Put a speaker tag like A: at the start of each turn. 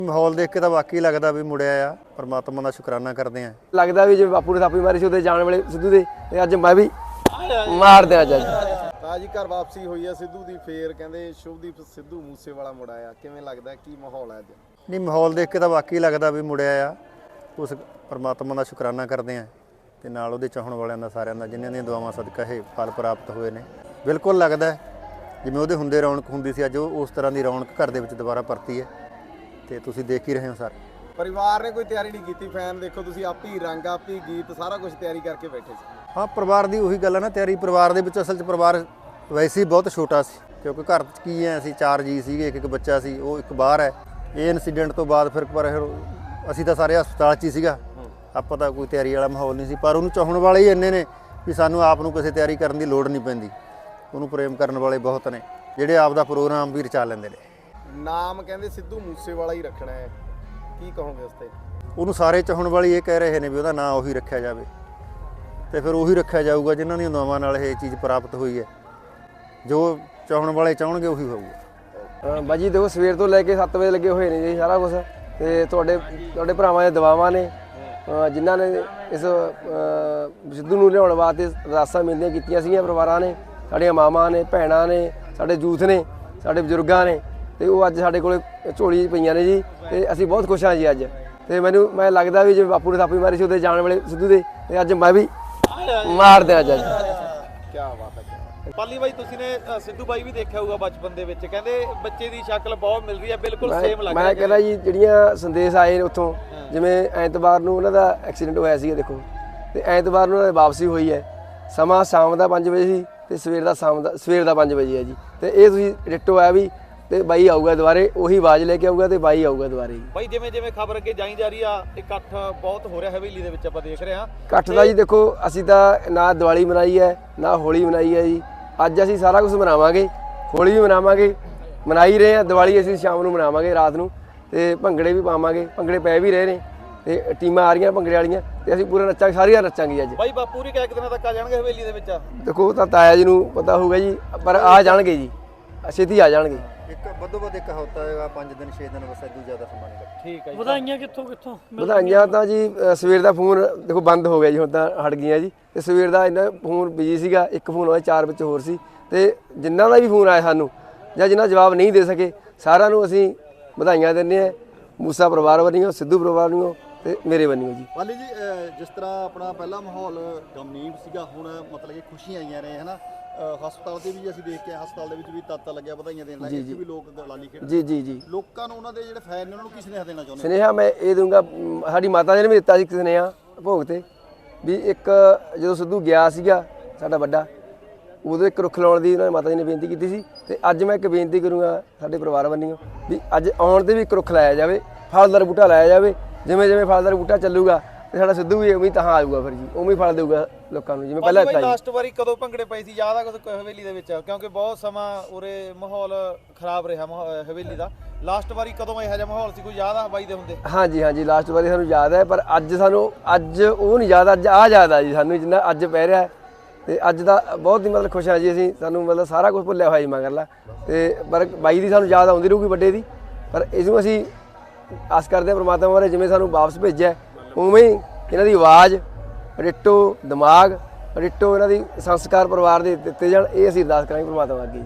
A: ਮਾਹੌਲ ਦੇਖ ਕੇ ਤਾਂ ਵਾਕਈ ਲੱਗਦਾ ਵੀ ਮੁੜਿਆ ਆ। ਪਰਮਾਤਮਾ ਦਾ ਸ਼ੁਕਰਾਨਾ ਕਰਦੇ ਆ।
B: ਲੱਗਦਾ ਵੀ ਜਿਵੇਂ ਬਾਪੂ ਨੇ ਥਾਪੀ ਮਾਰੀ ਸੀ ਉਹਦੇ ਜਾਣ ਵੇਲੇ ਸਿੱਧੂ ਦੇ, ਤੇ ਅੱਜ ਮੈਂ ਵੀ ਮਾਰ ਦਿਆਂ ਅੱਜ।
C: ਤਾਜੀ ਘਰ ਵਾਪਸੀ ਹੋਈ ਆ ਸਿੱਧੂ ਦੀ, ਫੇਰ ਕਹਿੰਦੇ ਸ਼ੁਭਦੀਪ ਸਿੱਧੂ ਮੂਸੇਵਾਲਾ ਮੁੜ ਆਇਆ। ਕਿਵੇਂ ਲੱਗਦਾ, ਕੀ ਮਾਹੌਲ ਹੈ ਅੱਜ?
A: ਨਹੀਂ, ਮਾਹੌਲ ਦੇਖ ਕੇ ਤਾਂ ਵਾਕਈ ਲੱਗਦਾ ਵੀ ਮੁੜਿਆ ਆ। ਉਸ ਪਰਮਾਤਮਾ ਦਾ ਸ਼ੁਕਰਾਨਾ ਕਰਦੇ ਆ ਤੇ ਨਾਲ ਉਹਦੇ ਚਾਹਣ ਵਾਲਿਆਂ ਦਾ, ਸਾਰਿਆਂ ਦਾ, ਜਿਨ੍ਹਾਂ ਦੀਆਂ ਦੁਆਵਾਂ ਸਦਕਾ ਇਹ ਫਲ ਪ੍ਰਾਪਤ ਹੋਏ ਨੇ। ਬਿਲਕੁਲ ਲੱਗਦਾ ਜਿਵੇਂ ਉਹਦੇ ਹੁੰਦੇ ਰੌਣਕ ਹੁੰਦੀ ਸੀ, ਅੱਜ ਉਸ ਤਰ੍ਹਾਂ ਦੀ ਰੌਣਕ ਘਰ ਦੇ ਵਿੱਚ ਦੁਬਾਰਾ ਪਰਤੀ ਹੈ ਤੇ ਤੁਸੀਂ ਦੇਖ ਹੀ ਰਹੇ ਹੋ ਸਰ।
C: ਪਰਿਵਾਰ ਨੇ ਕੋਈ ਤਿਆਰੀ ਨਹੀਂ ਕੀਤੀ? ਫੈਨ ਦੇਖੋ ਤੁਸੀਂ, ਆਪ ਹੀ ਰੰਗ, ਆਪ ਹੀ ਗੀਤ, ਸਾਰਾ ਕੁਝ ਤਿਆਰੀ ਕਰਕੇ ਬੈਠੇ ਸੀ।
A: ਹਾਂ, ਪਰਿਵਾਰ ਦੀ ਉਹੀ ਗੱਲ ਹੈ ਨਾ, ਤਿਆਰੀ ਪਰਿਵਾਰ ਦੇ ਵਿੱਚ। ਅਸਲ 'ਚ ਪਰਿਵਾਰ ਵੈਸੇ ਹੀ ਬਹੁਤ ਛੋਟਾ ਸੀ, ਕਿਉਂਕਿ ਘਰ 'ਚ ਕੀ ਹੈ, ਅਸੀਂ 4 ਜੀ ਸੀਗੇ, ਇੱਕ ਬੱਚਾ ਸੀ, ਉਹ ਇੱਕ ਬਾਹਰ ਹੈ। ਇਹ ਇਨਸੀਡੈਂਟ ਤੋਂ ਬਾਅਦ ਫਿਰ ਅਸੀਂ ਤਾਂ ਸਾਰੇ ਹਸਪਤਾਲ 'ਚ ਹੀ ਸੀਗਾ, ਆਪਾਂ ਤਾਂ ਕੋਈ ਤਿਆਰੀ ਵਾਲਾ ਮਾਹੌਲ ਨਹੀਂ ਸੀ। ਪਰ ਉਹਨੂੰ ਚਾਹਣ ਵਾਲੇ ਹੀ ਇੰਨੇ ਨੇ ਵੀ ਸਾਨੂੰ ਆਪ ਨੂੰ ਕਿਸੇ ਤਿਆਰੀ ਕਰਨ ਦੀ ਲੋੜ ਨਹੀਂ ਪੈਂਦੀ। ਉਹਨੂੰ ਪ੍ਰੇਮ ਕਰਨ ਵਾਲੇ ਬਹੁਤ ਨੇ ਜਿਹੜੇ ਆਪ ਦਾ ਪ੍ਰੋਗਰਾਮ ਵੀ ਰਚਾ ਲੈਂਦੇ ਨੇ।
C: ਨਾਮ ਕਹਿੰਦੇ ਸਿੱਧੂ ਮੂਸੇਵਾਲਾ ਹੀ ਰੱਖਣਾ ਹੈ, ਕੀ ਕਹੋਗੇ ਉਸ ਤੇ?
A: ਉਹਨੂੰ ਸਾਰੇ ਚਾਹਣ ਵਾਲੇ ਇਹ ਕਹਿ ਰਹੇ ਨੇ ਵੀ ਉਹਦਾ ਨਾਂ ਉਹੀ ਰੱਖਿਆ ਜਾਵੇ, ਤੇ ਫਿਰ ਉਹੀ ਰੱਖਿਆ ਜਾਊਗਾ ਜਿਨ੍ਹਾਂ ਦੀਆਂ ਦੁਆਵਾਂ ਨਾਲ ਇਹ ਚੀਜ਼ ਪ੍ਰਾਪਤ ਹੋਈ ਹੈ। ਜੋ ਚਾਹਣ ਵਾਲੇ ਚਾਹਣਗੇ ਉਹੀ ਹੋਊਗਾ।
B: ਬਾਜੀ ਦੇਖੋ, ਸਵੇਰ ਤੋਂ ਲੈ ਕੇ 7 ਵਜੇ ਲੱਗੇ ਹੋਏ ਨੇ ਜੀ ਸਾਰਾ ਕੁਝ, ਤੇ ਤੁਹਾਡੇ ਭਰਾਵਾਂ ਦੀਆਂ ਦੁਆਵਾਂ ਨੇ, ਜਿਨ੍ਹਾਂ ਨੇ ਇਸ ਸਿੱਧੂ ਨੂੰ ਲਿਆਉਣ ਵਾਸਤੇ ਅਰਦਾਸਾਂ ਮਿਲਦੀਆਂ ਕੀਤੀਆਂ ਸੀਗੀਆਂ। ਪਰਿਵਾਰਾਂ ਨੇ, ਸਾਡੀਆਂ ਮਾਵਾਂ ਨੇ, ਭੈਣਾਂ ਨੇ, ਸਾਡੇ ਯੂਥ ਨੇ, ਸਾਡੇ ਬਜ਼ੁਰਗਾਂ ਨੇ, ਤੇ ਉਹ ਅੱਜ ਸਾਡੇ ਕੋਲ ਝੋਲੀ ਪਈਆਂ ਨੇ ਜੀ, ਤੇ ਅਸੀਂ ਬਹੁਤ ਖੁਸ਼ ਹਾਂ ਜੀ ਅੱਜ। ਤੇ ਮੈਂ ਲੱਗਦਾ ਵੀ ਜਿਵੇਂ ਬਾਪੂ ਨੇ ਥਾਪੀ ਮਾਰੀ ਸੀ ਉਹਦੇ ਜਾਣ ਵੇਲੇ ਸਿੱਧੂ ਦੇ, ਤੇ ਅੱਜ ਮੈਂ ਵੀ ਮਾਰ ਦਿਆਂ ਅੱਜ।
C: ਕੀ ਬਾਤ ਹੈ। ਪਾਲੀ ਬਾਈ, ਤੁਸੀਂ ਨੇ ਸਿੱਧੂ ਬਾਈ ਵੀ ਦੇਖਿਆ ਹੋਊਗਾ ਬਚਪਨ ਦੇ ਵਿੱਚ, ਕਹਿੰਦੇ ਬੱਚੇ ਦੀ ਸ਼ਕਲ ਬਹੁਤ ਮਿਲ ਰਹੀ ਹੈ, ਬਿਲਕੁਲ ਸੇਮ ਲੱਗ ਰਿਹਾ।
B: ਮੈਂ ਕਹਿੰਦਾ ਜੀ, ਜਿਹੜੀਆਂ ਸੰਦੇਸ਼ ਆਏ ਨੇ ਉੱਥੋਂ, ਜਿਵੇਂ ਐਤਵਾਰ ਨੂੰ ਉਹਨਾਂ ਦਾ ਐਕਸੀਡੈਂਟ ਹੋਇਆ ਸੀਗਾ ਦੇਖੋ, ਤੇ ਐਤਵਾਰ ਨੂੰ ਉਹਨਾਂ ਦੀ ਵਾਪਸੀ ਹੋਈ ਹੈ। ਸਮਾਂ ਸ਼ਾਮ ਦਾ 5 ਵਜੇ ਸੀ ਤੇ ਸਵੇਰ ਦਾ 5 ਵਜੇ ਹੈ ਜੀ। ਤੇ ਇਹ ਤੁਸੀਂ ਡਿੱਟੋ ਆ ਵੀ, ਤੇ ਬਾਈ ਆਊਗਾ ਦੁਬਾਰੇ, ਉਹੀ ਆਵਾਜ਼ ਲੈ ਕੇ ਆਊਗਾ ਤੇ ਬਾਈ ਆਊਗਾ ਦੁਬਾਰੇ ਜੀ।
C: ਬਾਈ, ਜਿਵੇਂ ਖਬਰ ਅੱਗੇ ਜਾਈ ਜਾ ਰਹੀ ਆ, ਇਕੱਠ ਬਹੁਤ ਹੋ ਰਿਹਾ ਹਵੇਲੀ ਦੇ ਵਿੱਚ, ਆਪਾਂ ਦੇਖ ਰਹੇ ਹਾਂ
B: ਇਕੱਠ ਦਾ ਜੀ। ਦੇਖੋ, ਅਸੀਂ ਤਾਂ ਨਾ ਦੀਵਾਲੀ ਮਨਾਈ ਹੈ ਨਾ ਹੋਲੀ ਮਨਾਈ ਹੈ ਜੀ। ਅੱਜ ਅਸੀਂ ਸਾਰਾ ਕੁਝ ਮਨਾਵਾਂਗੇ, ਹੋਲੀ ਵੀ ਮਨਾਵਾਂਗੇ, ਮਨਾਈ ਰਹੇ ਹਾਂ। ਦੀਵਾਲੀ ਅਸੀਂ ਸ਼ਾਮ ਨੂੰ ਮਨਾਵਾਂਗੇ, ਰਾਤ ਨੂੰ, ਤੇ ਭੰਗੜੇ ਵੀ ਪਾਵਾਂਗੇ। ਭੰਗੜੇ ਪੈ ਵੀ ਰਹੇ ਨੇ, ਤੇ ਟੀਮਾਂ ਆ ਰਹੀਆਂ ਭੰਗੜੇ ਵਾਲੀਆਂ, ਤੇ ਅਸੀਂ ਪੂਰਾ ਨੱਚਾਂਗੇ, ਸਾਰੀਆਂ ਨੱਚਾਂਗੇ ਅੱਜ।
C: ਬਾਈ, ਬਾਪੂ ਰੀ ਕਿੰਨੇ ਦਿਨਾਂ ਤੱਕ ਆ ਜਾਣਗੇ ਹਵੇਲੀ ਦੇ ਵਿੱਚ?
B: ਦੇਖੋ, ਉਹ ਤਾਂ ਤਾਇਆ ਜੀ ਨੂੰ ਪਤਾ ਹੋਊਗਾ ਜੀ, ਪਰ ਆ ਜਾਣਗੇ ਜੀ, ਛੇਤੀ ਆ ਜਾਣਗੇ।
A: ਇੱਕ ਵੱਧ ਇੱਕ ਹਫ਼ਤਾ ਹੋਏਗਾ, 5 ਦਿਨ 6 ਦਿਨ, ਬਸ ਇਦੋਂ ਜ਼ਿਆਦਾ ਸਮਾਂ ਨਹੀਂ ਲੱਗਦਾ।
C: ਠੀਕ ਹੈ ਜੀ।
D: ਵਧਾਈਆਂ ਕਿੱਥੋਂ
B: ਵਧਾਈਆਂ ਤਾਂ ਜੀ ਸਵੇਰ ਦਾ ਫੋਨ ਦੇਖੋ ਬੰਦ ਹੋ ਗਿਆ ਜੀ, ਹੁਣ ਤਾਂ ਹਟ ਗਈਆਂ ਜੀ। ਤੇ ਸਵੇਰ ਦਾ ਇੰਨਾ ਫੋਨ ਬਿਜੀ ਸੀਗਾ, ਇੱਕ ਫੋਨ ਹੋਇਆ, 4 ਵਿੱਚ ਹੋਰ ਸੀ, ਤੇ ਜਿਨ੍ਹਾਂ ਦਾ ਵੀ ਫੋਨ ਆਇਆ ਸਾਨੂੰ, ਜਾਂ ਜਿਨ੍ਹਾਂ ਜਵਾਬ ਨਹੀਂ ਦੇ ਸਕੇ, ਸਾਰਿਆਂ ਨੂੰ ਅਸੀਂ ਵਧਾਈਆਂ ਦਿੰਦੇ ਹਾਂ। ਮੂਸਾ ਪਰਿਵਾਰ ਵੱਲੋਂ, ਸਿੱਧੂ ਪਰਿਵਾਰ ਵੱਲੋਂ, ਤੇ ਮੇਰੇ ਵੱਲੋਂ ਜੀ।
E: ਪਾਲੀ ਜੀ, ਜਿਸ ਤਰ੍ਹਾਂ ਆਪਣਾ ਪਹਿਲਾ ਮਾਹੌਲ ਗਮਨੀਬ ਸੀਗਾ, ਹੁਣ ਮਤਲਬ ਕਿ ਖੁਸ਼ੀਆਂ ਆਈਆਂ ਨੇ, ਹਨਾ। ਹਸਪਤਾਲ ਤੇ ਵੀ ਅਸੀਂ ਦੇਖ ਕੇ, ਹਸਪਤਾਲ ਦੇ ਵਿੱਚ ਵੀ ਤਾਤਾ ਲੱਗਿਆ ਵਧਾਈਆਂ ਦੇਣ ਲੱਗੇ, ਇੱਥੇ ਵੀ ਲੋਕ ਗਲਾਲੀ ਖੇਡ।
B: ਜੀ
E: ਲੋਕਾਂ ਨੂੰ, ਉਹਨਾਂ ਦੇ ਜਿਹੜੇ ਫੈਨ ਨੇ, ਉਹਨਾਂ ਨੂੰ ਕੀ ਸੁਨੇਹਾ ਦੇਣਾ ਚਾਹੁੰਦੇ?
B: ਸੁਨੇਹਾ ਮੈਂ ਇਹ ਦੂੰਗਾ, ਸਾਡੀ ਮਾਤਾ ਜੀ ਨੇ ਵੀ ਦਿੱਤਾ ਸੀ ਸੁਨੇਹਾ ਭੋਗ ਤੇ, ਵੀ ਇੱਕ ਜਦੋਂ ਸਿੱਧੂ ਗਿਆ ਸੀਗਾ ਸਾਡਾ ਵੱਡਾ, ਉਦੋਂ ਇੱਕ ਰੁੱਖ ਲਾਉਣ ਦੀ ਉਹਨਾਂ ਨੇ ਮਾਤਾ ਜੀ ਨੇ ਬੇਨਤੀ ਕੀਤੀ ਸੀ। ਤੇ ਅੱਜ ਮੈਂ ਇੱਕ ਬੇਨਤੀ ਕਰੂੰਗਾ ਸਾਡੇ ਪਰਿਵਾਰ ਵੱਲੋਂ, ਵੀ ਅੱਜ ਆਉਣ ਤੇ ਵੀ ਇੱਕ ਰੁੱਖ ਲਾਇਆ ਜਾਵੇ, ਫਲਦਾਰ ਬੂਟਾ ਲਾਇਆ ਜਾਵੇ। ਜਿਵੇਂ ਫਲਦਾਰ ਬੂਟਾ ਚੱਲੂਗਾ, ਤੇ ਸਾਡਾ ਸਿੱਧੂ ਵੀ ਉਵੇਂ ਤਾਂ ਆਊਗਾ, ਫਿਰ ਜੀ ਉਵੇਂ ਫਲ ਦੇਊਗਾ ਲੋਕਾਂ ਨੂੰ, ਜਿਵੇਂ ਪਹਿਲਾਂ ਦਿੱਤਾ ਜੀ।
C: ਲਾਸਟ ਵਾਰੀ ਕਦੋਂ ਭੰਗੜੇ ਪਏ ਸੀ, ਯਾਦ ਆ ਕੁਝ ਹਵੇਲੀ ਦੇ ਵਿੱਚ? ਕਿਉਂਕਿ ਬਹੁਤ ਸਮਾਂ ਉਰੇ ਮਾਹੌਲ ਖਰਾਬ ਰਿਹਾ ਹਵੇਲੀ ਦਾ। ਲਾਸਟ ਵਾਰੀ ਕਦੋਂ ਇਹੋ ਜਿਹਾ ਮਾਹੌਲ ਸੀ, ਕੋਈ ਯਾਦ ਆ ਬਾਈ ਦੇ ਹੁੰਦੇ?
B: ਹਾਂਜੀ, ਲਾਸਟ ਵਾਰੀ ਸਾਨੂੰ ਯਾਦ ਹੈ, ਪਰ ਅੱਜ ਉਹ ਨਹੀਂ ਯਾਦ, ਅੱਜ ਆ ਯਾਦ ਆ ਜੀ ਸਾਨੂੰ, ਜਿੰਨਾ ਅੱਜ ਪੈ ਰਿਹਾ। ਤੇ ਅੱਜ ਦਾ ਬਹੁਤ ਹੀ ਮਤਲਬ ਖੁਸ਼ ਹਾਂ ਜੀ ਅਸੀਂ, ਸਾਨੂੰ ਮਤਲਬ ਸਾਰਾ ਕੁਝ ਭੁੱਲਿਆ ਹੋਇਆ ਜੀ ਮਗਰਲਾ। ਤੇ ਪਰ ਬਾਈ ਦੀ ਸਾਨੂੰ ਯਾਦ ਆਉਂਦੀ ਰਹੂਗੀ, ਵੱਡੇ ਦੀ। ਪਰ ਇਸਨੂੰ ਅਸੀਂ ਆਸ ਕਰਦੇ ਹਾਂ ਪ੍ਰਮਾਤਮਾ ਬਾਰੇ, ਜਿਵੇਂ ਸਾਨੂੰ ਵਾਪਸ ਭੇਜਿਆ ਉਵੇਂ ਹੀ ਇਹਨਾਂ ਦੀ ਆਵਾਜ਼ ਡਿੱਟੋ, ਦਿਮਾਗ ਡਿੱਟੋ, ਇਹਨਾਂ ਦੀ ਸੰਸਕਾਰ ਪਰਿਵਾਰ ਦੇ ਦਿੱਤੇ ਜਾਣ, ਇਹ ਅਸੀਂ ਅਰਦਾਸ ਕਰਾਂਗੇ ਪ੍ਰਮਾਤਮਾ ਅੱਗੇ।